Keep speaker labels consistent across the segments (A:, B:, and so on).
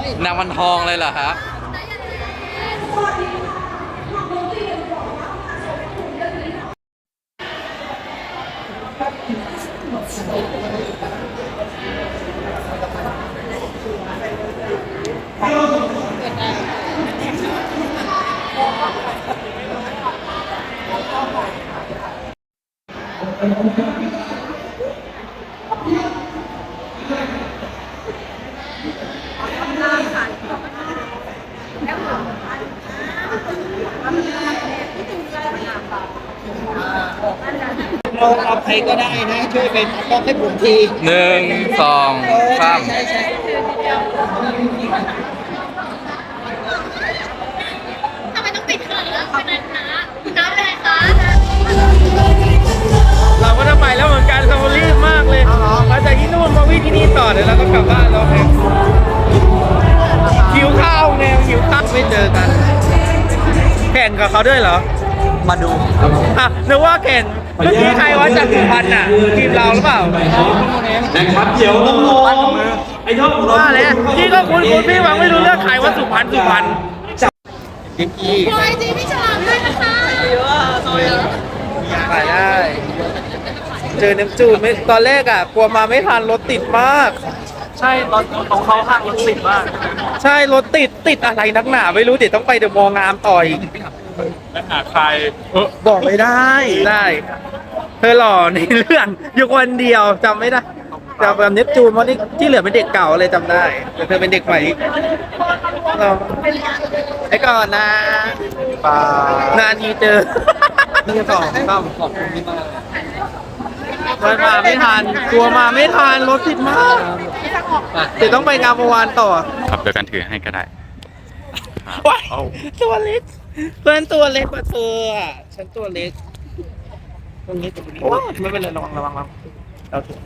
A: นางวันทองเลยเหรอครับ
B: เราเอาใครก็ได้นะช่วยเป็นต้องให้ผมที
A: 1 2 3
B: ใช่
C: ทำไมต้องปิดเขินแล้วคนนั้นนะคุณน้ำอะไรคะ
D: เราก็จะไปแล้วเหมือนกันเรารีบมากเลยมาจากที่นู่นมาวิ่งที่นี่ต่อเดี๋ยวเราก็กลับบ้านเราเองหิวข้าวไงหิวข้าวไม่เจอกัน แข่งกับเขาด้วยเหรอ
B: มาดู
D: อ่ะนึกว่าแข่งเมื่อกี้ใครว่าจากสุพรรณน่ะทีมเราหรือเปล่า
E: นะครับเดี๋ยวน้องๆไอ้ยอด
D: ว่าเลยพี่ก็คุณพี่วังไม่รู้เรื่องใครว่าสุพรรณ
B: กิ๊กกี้
C: โอ้ยจีพี่ฉลามด้วยนะคะ
D: ขายได้เจอน้ำจูนไม่ตอนแรกอ่ะกลัวมาไม่ทันรถติดมาก
E: ใช่ตอนของเขาห้างรถติดมาก
D: ใช่รถติดอะไรนักหนาไม่รู้เดี๋ยวต้องไปเดอะมอลล์งามต่ออีก
E: และหาใคร
D: บอกไม่ได้เธอหล่อในเรื่องอยู่คนเดียวจำไม่ได้จำแบบเนปจูนเพราะนี่ที่เหลือเป็นเด็กเก่าเลยจำได้แต่เธอเป็นเด็กใหม่เราไอ้ก่อนนะนานทีเจอนี่สองขอบคุณที่มาไม่ทันกลัวมาไม่ทันรถติดมากเดี๋ยวต้องไปงามวานต่อ
A: ครับเดี๋ยวกันถือให้ก็ได้
D: ว้ายตัวเล็กเพื่อนตัวเล็กกว่าเธออ่ะฉันตัวเล็กตรงนี้ไม่เป็นไรระวังเราถูก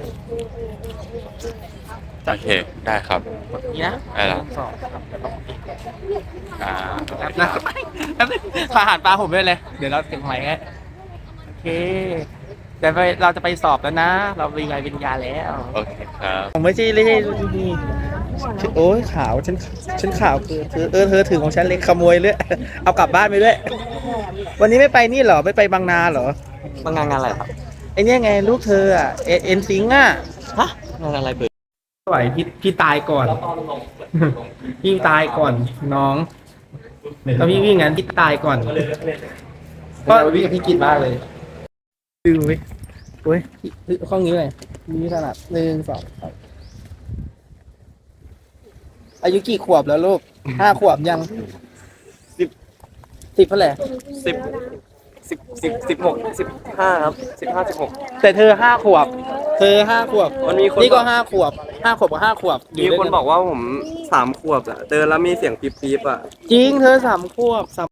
A: โอเค ได้ครับ
D: นี่นะ
A: ได้แล้ว
D: สอง
A: อ่า
D: นะอาหารปลาผมด้วยเลยเดี๋ยวเราถึงไหนให้โอเคเดี๋ยวเราจะไปสอบแล้วนะ เรามีใบปริญญาแล้ว
A: โอเคครับ
D: ผมไม่ใช่นี่โอ้ยขาวฉันขาวคือเธอถือของฉันเล็กขโมยเลยเอากลับบ้านไปด้วย วันนี้ไม่ไปนี่เหรอไม่ไปบางนาเหรอ
B: มางานอะไรครับ
D: ไอเนี่ยไงลูกเธออ่ะเอ็นซิงอ่ะ
B: ฮะงานอะไรเปิด
D: ไหวพี่ตายก่อน พี่ตายก่อนน้องตอนพี่วิ่งงั้นพี่ตายก่อนก็วิ่งพี่กินมากเลยดูไว้โอ้ยข้องนี้เลยมีถนัด1 2 3อายุกี่ขวบแล้วลูก5 ขวบยัง10เท่าไหร่
B: 16 15ครับ15 16
D: แต่เธอ5 ขวบ
B: มันมีคน
D: นี่ก็5 ขวบ5 ขวบกับ5 ขวบ
B: มีคนบอกว่าผม3 ขวบอะเดินแล้วมีเสียงปี๊บๆอะ
D: จริงเธอ3 ขวบ